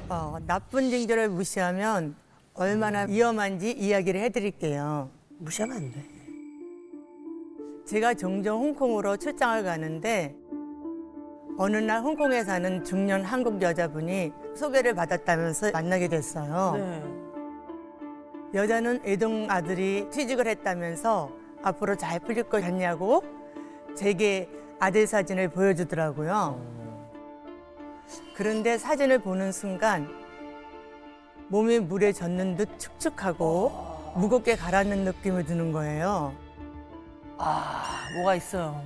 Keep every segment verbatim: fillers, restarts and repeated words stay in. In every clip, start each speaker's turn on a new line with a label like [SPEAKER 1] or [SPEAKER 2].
[SPEAKER 1] 어, 나쁜 징조를 무시하면 얼마나 위험한지 이야기를 해드릴게요.
[SPEAKER 2] 무시하면 안 돼.
[SPEAKER 1] 제가 종종 홍콩으로 출장을 가는데 어느 날 홍콩에 사는 중년 한국 여자분이 소개를 받았다면서 만나게 됐어요.
[SPEAKER 2] 네.
[SPEAKER 1] 여자는 애동 아들이 취직을 했다면서 앞으로 잘 풀릴 것 같냐고 제게 아들 사진을 보여주더라고요. 그런데 사진을 보는 순간 몸이 물에 젖는 듯 축축하고 무겁게 가라앉는 느낌이 드는 거예요.
[SPEAKER 2] 아, 뭐가 있어요.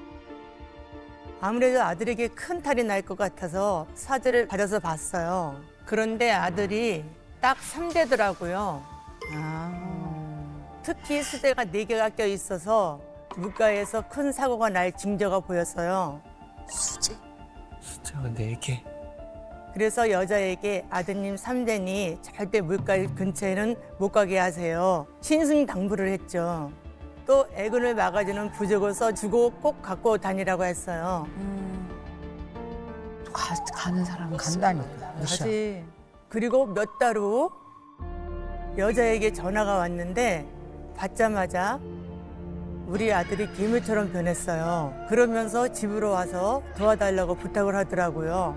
[SPEAKER 1] 아무래도 아들에게 큰 탈이 날 것 같아서 사진을 받아서 봤어요. 그런데 아들이 딱 삼 대더라고요.
[SPEAKER 2] 아.
[SPEAKER 1] 특히 수대가 네 개가 껴 있어서 물가에서 큰 사고가 날 징조가 보였어요.
[SPEAKER 2] 수제?
[SPEAKER 3] 숫자가 네 개.
[SPEAKER 1] 그래서 여자에게 아드님 삼 대니 절대 물가 근처에는 못 가게 하세요. 신승당부를 했죠. 또 애군을 막아주는 부적을 써주고 꼭 갖고 다니라고 했어요.
[SPEAKER 2] 가, 가는 사람은 간다니까. 무시하.
[SPEAKER 1] 가지. 그리고 몇 달 후 여자에게 전화가 왔는데 받자마자 우리 아들이 괴물처럼 변했어요. 그러면서 집으로 와서 도와달라고 부탁을 하더라고요.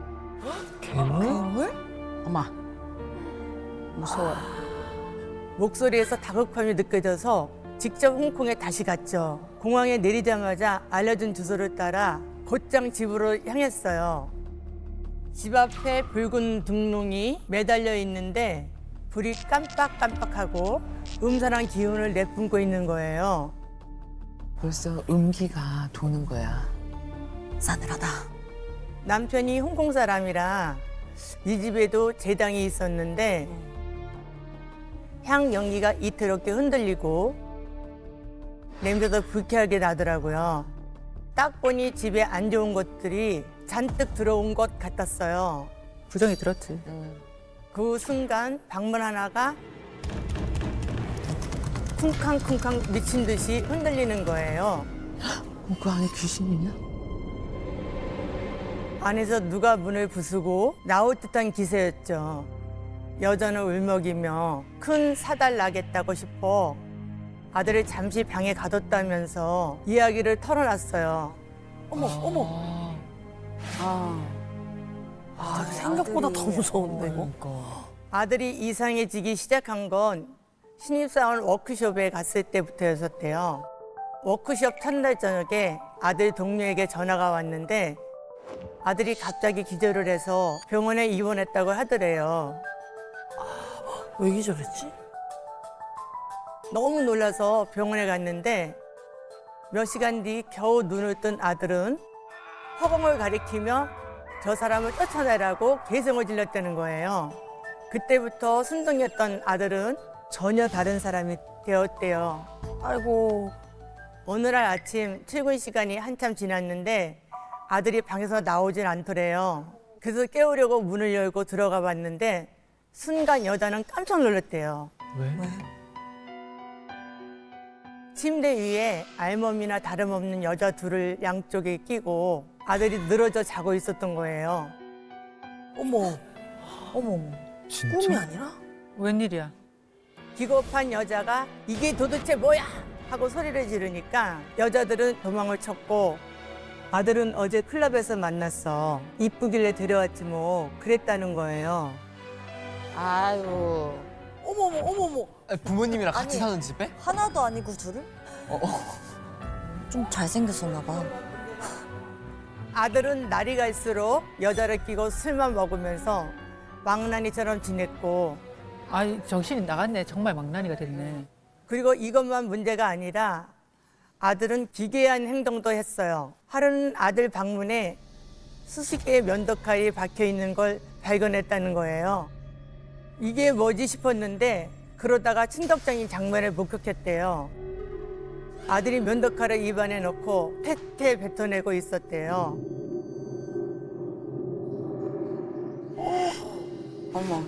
[SPEAKER 3] 괴물?
[SPEAKER 2] 어마. 무서워.
[SPEAKER 1] 목소리에서 다급함이 느껴져서 직접 홍콩에 다시 갔죠. 공항에 내리자마자 알려준 주소를 따라 곧장 집으로 향했어요. 집 앞에 붉은 등롱이 매달려 있는데 불이 깜빡깜빡하고 음산한 기운을 내뿜고 있는 거예요.
[SPEAKER 2] 벌써 음기가 도는 거야. 싸늘하다.
[SPEAKER 1] 남편이 홍콩 사람이라 이 집에도 제당이 있었는데 향 연기가 이태롭게 흔들리고 냄새도 불쾌하게 나더라고요. 딱 보니 집에 안 좋은 것들이 잔뜩 들어온 것 같았어요.
[SPEAKER 4] 부정이 들었지.
[SPEAKER 1] 그 순간 방문 하나가 쿵쾅쿵쾅 미친 듯이 흔들리는 거예요.
[SPEAKER 2] 어, 그 안에 귀신이냐?
[SPEAKER 1] 안에서 누가 문을 부수고 나올 듯한 기세였죠. 여자는 울먹이며 큰 사달 나겠다고 싶어 아들을 잠시 방에 가뒀다면서 이야기를 털어놨어요.
[SPEAKER 2] 어머, 어머. 아. 아, 생각보다 더 무서운데, 이거?
[SPEAKER 1] 아들이 이상해지기 시작한 건 신입사원 워크숍에 갔을 때부터였었대요. 워크숍 첫날 저녁에 아들 동료에게 전화가 왔는데 아들이 갑자기 기절을 해서 병원에 입원했다고 하더래요.
[SPEAKER 2] 왜 기절했지?
[SPEAKER 1] 너무 놀라서 병원에 갔는데 몇 시간 뒤 겨우 눈을 뜬 아들은 허공을 가리키며 저 사람을 쫓아내라고 개성을 질렀다는 거예요. 그때부터 순둥이었던 아들은 전혀 다른 사람이 되었대요.
[SPEAKER 2] 아이고.
[SPEAKER 1] 어느 날 아침 출근 시간이 한참 지났는데 아들이 방에서 나오질 않더래요. 그래서 깨우려고 문을 열고 들어가 봤는데 순간 여자는 깜짝 놀랐대요.
[SPEAKER 3] 왜?
[SPEAKER 1] 침대 위에 알몸이나 다름없는 여자 둘을 양쪽에 끼고 아들이 늘어져 자고 있었던 거예요.
[SPEAKER 2] 어머. 어머, 어머.
[SPEAKER 3] 진짜?
[SPEAKER 2] 꿈이 아니라?
[SPEAKER 4] 웬일이야?
[SPEAKER 1] 기겁한 여자가 이게 도대체 뭐야? 하고 소리를 지르니까 여자들은 도망을 쳤고 아들은 어제 클럽에서 만났어. 이쁘길래 데려왔지 뭐 그랬다는 거예요.
[SPEAKER 5] 아유,
[SPEAKER 2] 어머, 어머, 어머, 어머.
[SPEAKER 3] 부모님이랑 같이
[SPEAKER 5] 아니.
[SPEAKER 3] 사는 집에?
[SPEAKER 5] 하나도 아니고 둘을?
[SPEAKER 3] 어,
[SPEAKER 5] 좀 잘생겼었나 봐.
[SPEAKER 1] 아들은 날이 갈수록 여자를 끼고 술만 먹으면서 망나니처럼 지냈고
[SPEAKER 4] 아이 정신이 나갔네. 정말 망나니가 됐네.
[SPEAKER 1] 그리고 이것만 문제가 아니라 아들은 기괴한 행동도 했어요. 하루는 아들 방문에 수십 개의 면도칼이 박혀 있는 걸 발견했다는 거예요. 이게 뭐지 싶었는데 그러다가 친덕장인 장면을 목격했대요. 아들이 면도칼을 입안에 넣고 퇴퇴 뱉어내고 있었대요.
[SPEAKER 2] 어머.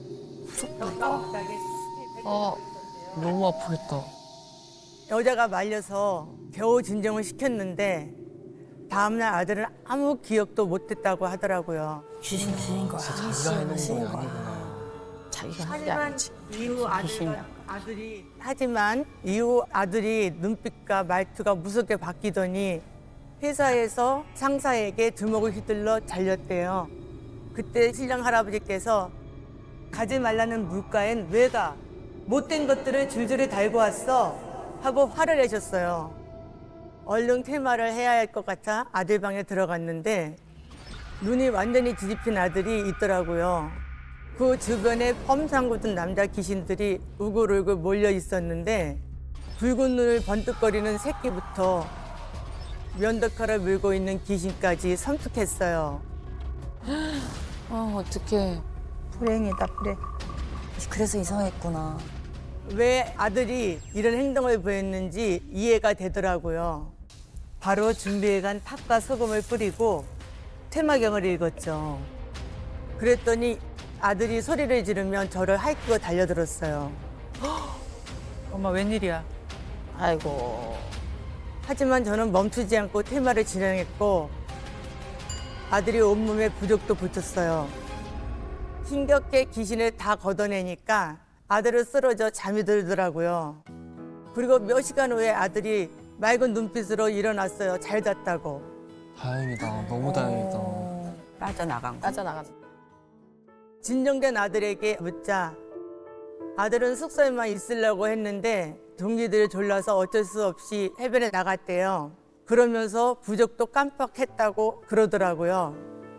[SPEAKER 3] 아, 너무 아프겠다.
[SPEAKER 1] 여자가 말려서 겨우 진정을 시켰는데 다음날 아들은 아무 기억도 못했다고 하더라고요.
[SPEAKER 2] 귀신 지인 거야.
[SPEAKER 3] 자기가 해놓은 건 아니구나.
[SPEAKER 2] 자기가 한 게
[SPEAKER 1] 하지만
[SPEAKER 2] 아니지.
[SPEAKER 1] 이후 아들,
[SPEAKER 2] 귀신이야.
[SPEAKER 1] 아들이 하지만 이후 아들이 눈빛과 말투가 무섭게 바뀌더니 회사에서 상사에게 주먹을 휘둘러 잘렸대요. 그때 신랑 할아버지께서 가지 말라는 물가엔 왜 가? 못된 것들을 줄줄이 달고 왔어 하고 화를 내셨어요. 얼른 퇴마를 해야 할 것 같아 아들 방에 들어갔는데 눈이 완전히 뒤집힌 아들이 있더라고요. 그 주변에 펌상 굳은 남자 귀신들이 우글우글 몰려 있었는데 붉은 눈을 번뜩거리는 새끼부터 면도칼을 물고 있는 귀신까지 섬뜩했어요.
[SPEAKER 2] 아 어떡해.
[SPEAKER 1] 불행이다, 불행.
[SPEAKER 5] 그래서 이상했구나.
[SPEAKER 1] 왜 아들이 이런 행동을 보였는지 이해가 되더라고요. 바로 준비해간 팥과 소금을 뿌리고 퇴마경을 읽었죠. 그랬더니 아들이 소리를 지르면 저를 하이큐어 달려들었어요.
[SPEAKER 4] 엄마 웬일이야?
[SPEAKER 2] 아이고.
[SPEAKER 1] 하지만 저는 멈추지 않고 퇴마를 진행했고 아들이 온몸에 부적도 붙였어요. 힘겹게 귀신을 다 걷어내니까 아들은 쓰러져 잠이 들더라고요. 그리고 몇 시간 후에 아들이 맑은 눈빛으로 일어났어요. 잘 잤다고.
[SPEAKER 3] 다행이다. 너무 다행이다.
[SPEAKER 2] 빠져나간 거. 빠져나간 거.
[SPEAKER 1] 진정된 아들에게 묻자 아들은 숙소에만 있으려고 했는데 동기들이 졸라서 어쩔 수 없이 해변에 나갔대요. 그러면서 부적도 깜빡했다고 그러더라고요.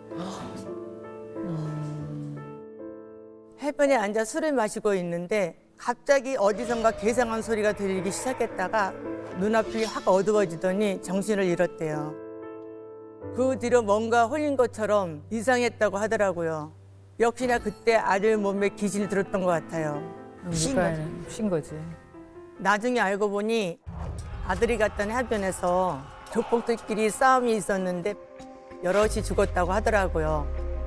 [SPEAKER 1] 해변에 앉아 술을 마시고 있는데 갑자기 어디선가 괴상한 소리가 들리기 시작했다가 눈앞이 확 어두워지더니 정신을 잃었대요. 그 뒤로 뭔가 홀린 것처럼 이상했다고 하더라고요. 역시나 그때 아들 몸에 귀신이 들었던 것 같아요.
[SPEAKER 4] 물가에는 쉰 거지.
[SPEAKER 1] 나중에 알고 보니 아들이 갔던 해변에서 족복들끼리 싸움이 있었는데 여럿이 죽었다고 하더라고요.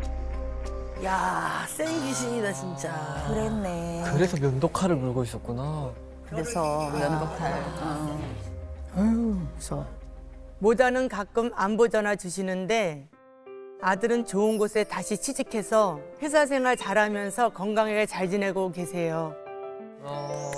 [SPEAKER 2] 야, 센 귀신이다 진짜.
[SPEAKER 5] 그랬네.
[SPEAKER 3] 그래서 면도칼을 물고 있었구나.
[SPEAKER 2] 그래서 면도칼. 어.
[SPEAKER 4] 무서워.
[SPEAKER 1] 모자는 가끔 안부 전화 주시는데 아들은 좋은 곳에 다시 취직해서 회사 생활 잘하면서 건강하게 잘 지내고 계세요.
[SPEAKER 3] 어...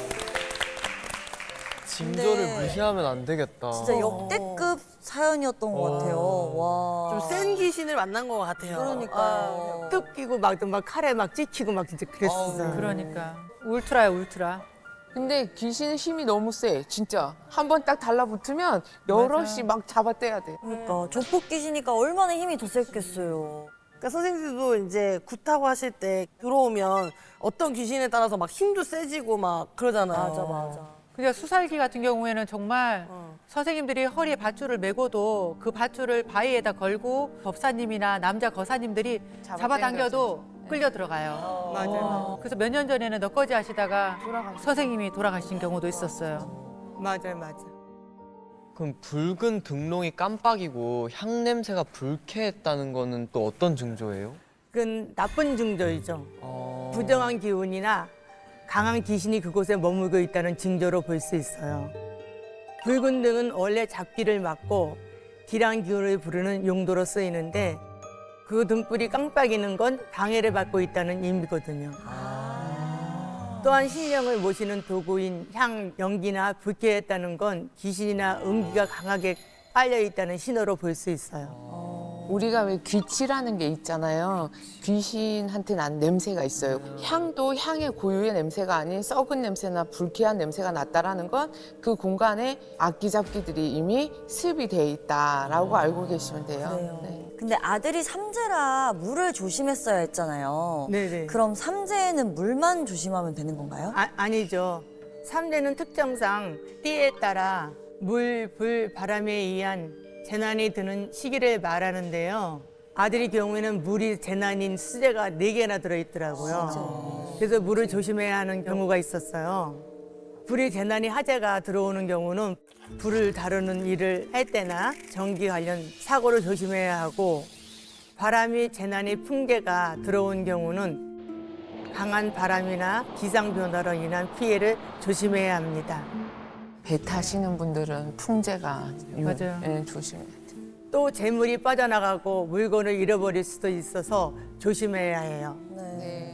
[SPEAKER 3] 징조를
[SPEAKER 5] 근데
[SPEAKER 3] 무시하면 안 되겠다.
[SPEAKER 5] 진짜 역대급 사연이었던 것 같아요. 와.
[SPEAKER 2] 좀 센 귀신을 만난 것 같아요.
[SPEAKER 5] 그러니까요.
[SPEAKER 1] 뚝 끼고 막, 막 칼에 막 찍히고 막 진짜 그랬었어요.
[SPEAKER 4] 그러니까 울트라야 울트라.
[SPEAKER 6] 근데 귀신의 힘이 너무 세, 진짜. 한 번 딱 달라붙으면 여럿이 막 잡아떼야 돼.
[SPEAKER 5] 그러니까 조폭 귀신이니까 얼마나 힘이 더 셌겠어요.
[SPEAKER 2] 그러니까 선생님들도 이제 굿하고 하실 때 들어오면 어떤 귀신에 따라서 막 힘도 세지고 막 그러잖아요.
[SPEAKER 5] 맞아 맞아.
[SPEAKER 4] 그러니까 수살기 같은 경우에는 정말
[SPEAKER 2] 어.
[SPEAKER 4] 선생님들이 허리에 밧줄을 메고도 그 밧줄을 바위에다 걸고 법사님이나 남자 거사님들이 잡아당겨도 끌려 들어가요.
[SPEAKER 1] 맞아요.
[SPEAKER 4] 그래서 몇 년 전에는 너꺼지 하시다가 선생님이 돌아가신 경우도 있었어요.
[SPEAKER 1] 맞아요, 맞아요.
[SPEAKER 3] 그럼 붉은 등롱이 깜빡이고 향 냄새가 불쾌했다는 거는 또 어떤 징조예요?
[SPEAKER 1] 그건 나쁜 징조이죠.
[SPEAKER 3] 어...
[SPEAKER 1] 부정한 기운이나 강한 귀신이 그곳에 머물고 있다는 징조로 볼 수 있어요. 붉은 등은 원래 잡기를 막고 기란 기운을 부르는 용도로 쓰이는데 그 등불이 깜빡이는 건 방해를 받고 있다는 의미거든요. 또한 신령을 모시는 도구인 향, 연기나 불쾌했다는 건 귀신이나 음기가 강하게 빨려 있다는 신호로 볼 수 있어요.
[SPEAKER 6] 우리가 왜 귀치라는 게 있잖아요. 귀신한테 난 냄새가 있어요. 향도 향의 고유의 냄새가 아닌 썩은 냄새나 불쾌한 냄새가 났다라는 건 그 공간에 악기잡기들이 이미 습이 돼 있다라고 알고 계시면 돼요.
[SPEAKER 5] 그래요.
[SPEAKER 6] 네.
[SPEAKER 5] 근데 아들이 삼재라 물을 조심했어야 했잖아요.
[SPEAKER 1] 네네.
[SPEAKER 5] 그럼 삼재에는 물만 조심하면 되는 건가요?
[SPEAKER 1] 아, 아니죠. 삼재는 특성상 띠에 따라 물, 불, 바람에 의한 재난이 드는 시기를 말하는데요. 아들의 경우에는 물이 재난인 수재가 네 개나 들어있더라고요. 그래서 물을 조심해야 하는 경우가 있었어요. 불이 재난이 화재가 들어오는 경우는 불을 다루는 일을 할 때나 전기 관련 사고를 조심해야 하고 바람이 재난이 풍계가 들어온 경우는 강한 바람이나 기상 변화로 인한 피해를 조심해야 합니다.
[SPEAKER 6] 배 타시는 분들은 풍제가 유-
[SPEAKER 4] 맞아요.
[SPEAKER 6] 예, 조심해야 돼.
[SPEAKER 1] 또 재물이 빠져나가고 물건을 잃어버릴 수도 있어서 조심해야 해요.
[SPEAKER 5] 네.